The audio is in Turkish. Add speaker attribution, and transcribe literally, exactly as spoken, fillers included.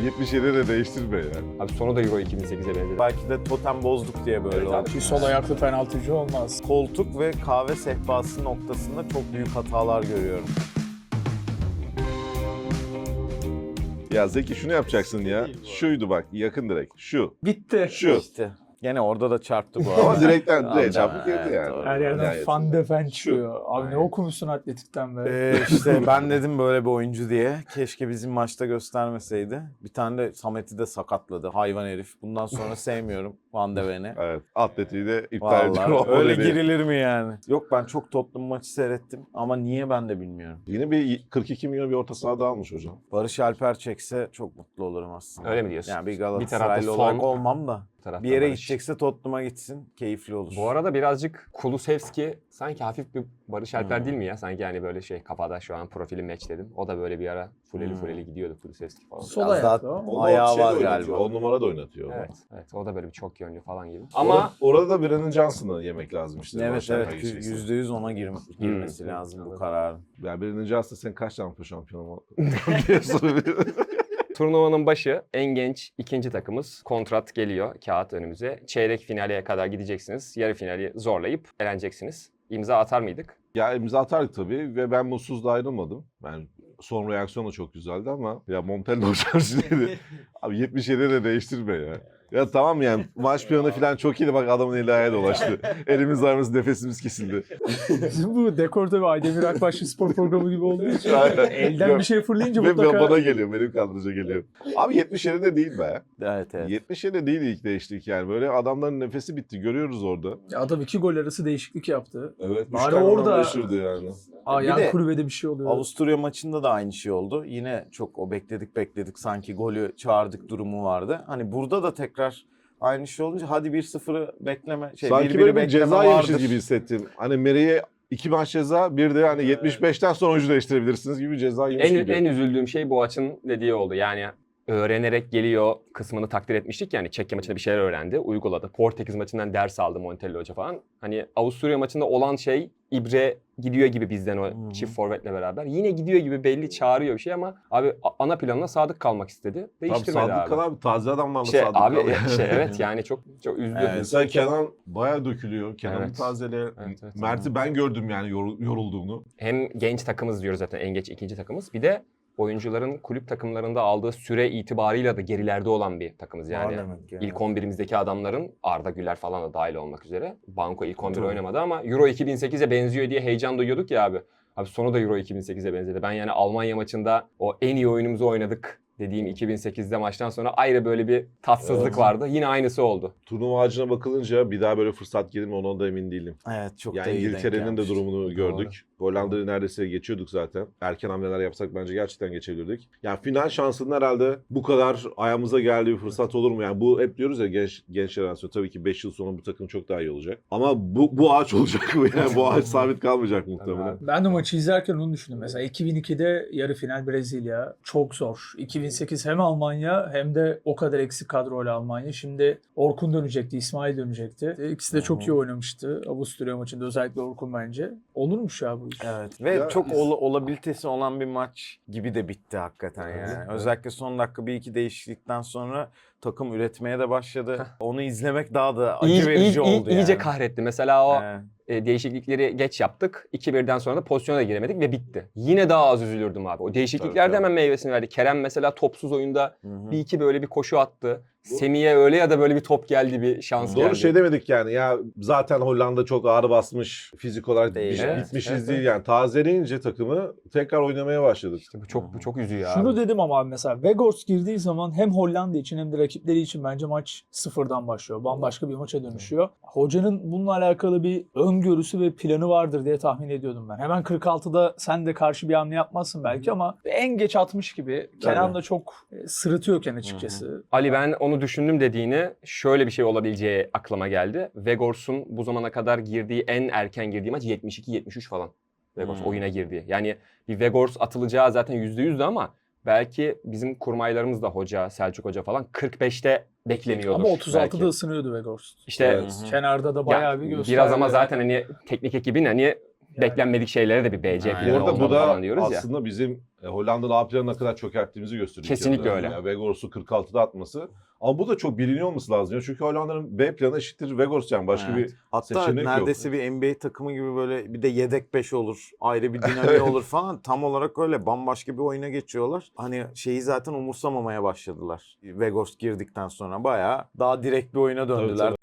Speaker 1: yetmiş yedi de değiştirme ya.
Speaker 2: Abi sonu da Euro iki bin sekize benzedi.
Speaker 3: Belki de totem bozduk diye böyle
Speaker 2: Evet
Speaker 3: oldu.
Speaker 2: abi.
Speaker 4: Bir sol ayaklı penaltıcı olmaz.
Speaker 3: Koltuk ve kahve sehpası noktasında çok büyük hatalar görüyorum.
Speaker 1: Ya Zeki şunu yapacaksın ya. Şuydu bak, yakın direkt. Şu.
Speaker 4: Bitti.
Speaker 1: Şu.
Speaker 3: İşte. Gene orada da çarptı bu arada.
Speaker 1: Ama direkten
Speaker 3: Aldı,
Speaker 1: direkt çarpıp
Speaker 3: evet,
Speaker 1: girdi yani.
Speaker 3: doğru.
Speaker 4: Her yerden
Speaker 1: Nihayetinde.
Speaker 4: fan defen çıkıyor. Abi
Speaker 3: Aynen.
Speaker 4: ne okumuşsun atletikten be.
Speaker 3: Ee, işte ben dedim böyle bir oyuncu diye. Keşke bizim maçta göstermeseydi. Bir tane de Samet'i de sakatladı. Hayvan herif. Bundan sonra sevmiyorum Van de Ven'i.
Speaker 1: Evet. Atletiği de iptal ediyor.
Speaker 3: Vallahi öyle
Speaker 1: Öyle
Speaker 3: girilir mi yani? Yok ben çok Tottenham maçı seyrettim ama niye ben de bilmiyorum.
Speaker 1: Yine bir kırk iki milyon bir orta sahada almış hocam.
Speaker 3: Barış Alper çekse çok mutlu olurum aslında.
Speaker 2: Öyle mi diyorsun?
Speaker 3: Yani bir
Speaker 2: Bir tarafta
Speaker 3: Galatasaraylı
Speaker 2: son,
Speaker 3: olarak olmam da.
Speaker 2: bir tarafta
Speaker 3: Bir yere
Speaker 2: Barış.
Speaker 3: gidecekse Tottenham'a gitsin. Keyifli olur.
Speaker 2: Bu arada birazcık Kulusevski sanki hafif bir Barış Alper
Speaker 3: Hmm.
Speaker 2: değil mi ya? Sanki yani böyle şey kafada şu an profili matchledim. O da böyle bir ara fuleli
Speaker 3: Hmm.
Speaker 2: fuleli gidiyordu Kulusevski falan.
Speaker 4: Sol
Speaker 3: Biraz
Speaker 4: ayaklı
Speaker 3: daha-
Speaker 4: ama.
Speaker 1: Onu
Speaker 3: Ayağı
Speaker 1: şeyde
Speaker 3: var
Speaker 1: oynatıyor,
Speaker 3: galiba.
Speaker 1: on numara da oynatıyor. onu.
Speaker 2: Evet, evet. O da böyle bir çok yönlü falan gibi.
Speaker 1: Ama
Speaker 2: Ama
Speaker 1: orada da Brennan Johnson'ı yemek lazım işte.
Speaker 3: Evet
Speaker 1: Barış Alper
Speaker 3: evet
Speaker 1: geçecekse.
Speaker 3: yüzde yüz ona gir- girmesi
Speaker 2: Hmm.
Speaker 3: lazım bu kararın.
Speaker 1: Ya Brennan Johnson sen kaç tane Avrupa şampiyonu diye soruyor.
Speaker 2: turnuvanın başı en genç ikinci takımız. Kontrat geliyor kağıt önümüze. Çeyrek finale kadar gideceksiniz. Yarı finali zorlayıp eleneceksiniz. İmza atar mıydık?
Speaker 1: Ya imza atardık tabii ve ben mutsuz da ayrılmadım. Ben son reaksiyon da çok güzeldi ama ya Montella hocam şimdi abi yetmiş yedi de değiştirme ya. Ya tamam yani maç planı falan çok iyiydi bak adamın eli ayağı dolaştı. Elimiz ayağımız nefesimiz kesildi.
Speaker 4: Bizim bu dekorte ve Aydemir Akbaşlı spor programı gibi olduğu için
Speaker 1: Aynen.
Speaker 4: elden bir şey fırlayınca
Speaker 1: Ve
Speaker 4: mutlaka...
Speaker 1: bana geliyor benim kadroca geliyor. Abi yetmiş yedi de değil be.
Speaker 3: Evet evet.
Speaker 1: yetmiş yedi de değil ilk değiştik yani böyle adamların nefesi bitti görüyoruz orada.
Speaker 4: Ya adam iki gol arası değişiklik yaptı.
Speaker 1: Evet. üç
Speaker 4: Bari
Speaker 1: tane
Speaker 4: orada-
Speaker 1: adam değiştirdi yani.
Speaker 4: Aa,
Speaker 3: Bir
Speaker 4: yan
Speaker 3: de
Speaker 4: kulübede bir şey oluyor.
Speaker 3: Avusturya maçında da aynı şey oldu. Yine çok o bekledik bekledik sanki golü çağırdık durumu vardı. Hani burada da tekrar aynı şey olunca hadi bir sıfırı bekleme. Şey,
Speaker 1: Sanki
Speaker 3: bir biri
Speaker 1: böyle bir
Speaker 3: bekleme
Speaker 1: ceza yemişiz
Speaker 3: vardır.
Speaker 1: gibi hissettim. Hani Meri'ye iki maç ceza, bir de hani yetmiş beşten sonra oyuncu değiştirebilirsiniz gibi ceza yemiş
Speaker 2: En,
Speaker 1: gibi.
Speaker 2: en üzüldüğüm şey Boğaç'ın dediği oldu. Yani öğrenerek geliyor kısmını takdir etmiştik. Yani Çekya maçında bir şeyler öğrendi, uyguladı. Portekiz maçından ders aldı Montella Hoca falan. Hani Avusturya maçında olan şey İbre gidiyor gibi bizden o
Speaker 3: Hı-hı.
Speaker 2: çift forvetle beraber. Yine gidiyor gibi belli çağırıyor bir şey ama abi a- ana planına sadık kalmak istedi.
Speaker 1: Tabii
Speaker 2: Değiştirmedi
Speaker 1: Sadık
Speaker 2: abi.
Speaker 1: Kal abi taze adamlarla
Speaker 2: İşte
Speaker 1: Sadık
Speaker 2: abi
Speaker 1: Kal.
Speaker 2: e, işte evet yani çok çok üzdü.
Speaker 3: Evet.
Speaker 1: Mesela Kenan bayağı dökülüyor. Kenan'ı
Speaker 2: Evet.
Speaker 1: tazele.
Speaker 2: Evet, evet.
Speaker 1: Mert'i ben gördüm yani yorul- yorulduğunu.
Speaker 2: Hem genç takımız diyoruz zaten en geç ikinci takımız. Bir de oyuncuların kulüp takımlarında aldığı süre itibarıyla da gerilerde olan bir takımız yani.
Speaker 3: Var demek yani.
Speaker 2: İlk on birimizdeki adamların Arda Güler falan da dahil olmak üzere. Banko ilk on bir
Speaker 3: Tabii.
Speaker 2: oynamadı ama Euro iki bin sekize benziyor diye heyecan duyuyorduk ya abi. Abi sonu da Euro iki bin sekize benzedi. Ben yani Almanya maçında o en iyi oyunumuzu oynadık dediğim iki bin sekizde maçtan sonra ayrı böyle bir tatsızlık
Speaker 1: Evet.
Speaker 2: vardı. Yine aynısı oldu.
Speaker 1: Turnuva ağacına bakılınca bir daha böyle fırsat gelir mi ondan da emin değilim.
Speaker 3: Evet çok
Speaker 1: Yani
Speaker 3: da iyi denk
Speaker 1: İngiltere'nin de
Speaker 3: gelmiş.
Speaker 1: durumunu gördük. Hollanda'yı neredeyse geçiyorduk zaten. Erken hamleler yapsak bence gerçekten geçebilirdik. Yani final şansının herhalde bu kadar ayağımıza geldiği bir fırsat olur mu? Yani bu hep diyoruz ya genç genç jenerasyon. Tabii ki beş yıl sonra bu takım çok daha iyi olacak. Ama bu bu ağaç olacak mı? Yani bu ağaç sabit kalmayacak muhtemelen.
Speaker 4: Ben de maçı izlerken onu düşündüm. Mesela iki bin ikide yarı final Brezilya çok zor. iki bin sekiz hem Almanya hem de o kadar eksik kadroyla Almanya. Şimdi Orkun dönecekti, İsmail dönecekti. İkisi de çok
Speaker 3: Hı hı.
Speaker 4: iyi oynamıştı. Avusturya maçında özellikle Orkun bence. Olurmuş ya bu iş.
Speaker 3: Evet ve
Speaker 1: Ya
Speaker 3: çok
Speaker 1: biz-
Speaker 3: ola- olabilitesi olan bir maç gibi de bitti hakikaten yani.
Speaker 1: Evet.
Speaker 3: Özellikle son dakika bir iki değişiklikten sonra takım üretmeye de başladı. Onu izlemek daha da acı
Speaker 2: İyi,
Speaker 3: verici
Speaker 2: iyi- iyi-
Speaker 3: oldu
Speaker 2: iyice
Speaker 3: yani.
Speaker 2: kahretti. Mesela o
Speaker 3: Evet.
Speaker 2: e, değişiklikleri geç yaptık. iki birden sonra da pozisyona da giremedik ve bitti. Yine daha az üzülürdüm abi. O değişiklikler de
Speaker 1: Tabii,
Speaker 2: hemen meyvesini verdi. Kerem mesela topsuz oyunda
Speaker 3: Hı hı.
Speaker 2: bir iki böyle bir koşu attı. Semih'e öyle ya da böyle bir top geldi, bir şans
Speaker 1: Doğru
Speaker 2: geldi.
Speaker 1: şey demedik yani ya zaten Hollanda çok ağır basmış fizik olarak
Speaker 3: Değil,
Speaker 1: bir-
Speaker 2: evet.
Speaker 1: bitmişiz
Speaker 2: Evet,
Speaker 1: değil
Speaker 2: evet.
Speaker 1: yani tazeleyince takımı tekrar oynamaya başladık.
Speaker 2: İşte bu çok bu çok üzüyor abi.
Speaker 4: Şunu dedim ama abi mesela Weghorst girdiği zaman hem Hollanda için hem de rakipleri için bence maç sıfırdan başlıyor. Bambaşka bir maça dönüşüyor. Hocanın bununla alakalı bir öngörüsü ve planı vardır diye tahmin ediyordum ben. Hemen kırk altıda sen de karşı bir hamle yapmazsın belki ama en geç altmış gibi. Kenan da çok e, sırıtıyorken açıkçası.
Speaker 2: Ali ben onu düşündüm dediğini şöyle bir şey olabileceği aklıma geldi. Weghorst'un bu zamana kadar girdiği en erken girdiği maç yetmiş iki yetmiş üç falan. Weghorst
Speaker 3: Hmm.
Speaker 2: oyuna girdi. Yani bir Weghorst atılacağı zaten yüzde yüzdü ama belki bizim kurmaylarımız da hoca, Selçuk Hoca falan kırk beşte bekleniyordur.
Speaker 4: Ama otuz altıda
Speaker 2: belki.
Speaker 4: ısınıyordu Weghorst.
Speaker 2: İşte
Speaker 1: Evet.
Speaker 3: Hı hı.
Speaker 4: Kenarda da
Speaker 2: ya,
Speaker 4: bayağı bir gösterdi.
Speaker 2: biraz ama zaten hani teknik ekibin hani beklenmedik şeylere de bir B C
Speaker 3: Aynen.
Speaker 2: planı
Speaker 1: Orada
Speaker 2: olmalı
Speaker 1: bu da
Speaker 2: falan diyoruz ya.
Speaker 1: aslında bizim e, Hollanda'nın A planı ne kadar çökerttiğimizi gösteriyor.
Speaker 2: Kesinlikle
Speaker 1: Yani
Speaker 2: öyle.
Speaker 1: Yani Weghorst'u kırk altıda atması. Ama bu da çok biliniyor olması lazım. Ya. Çünkü Hollanda'nın B planı eşittir Weghorst yani başka
Speaker 3: Evet.
Speaker 1: bir
Speaker 3: Hatta
Speaker 1: seçenek yok.
Speaker 3: neredeyse bir N B A takımı gibi böyle bir de yedek beş olur. Ayrı bir dinamiği olur falan. Tam olarak öyle bambaşka bir oyuna geçiyorlar. Hani şeyi zaten umursamamaya başladılar. Weghorst girdikten sonra bayağı daha direkt bir oyuna döndüler.
Speaker 1: tabii.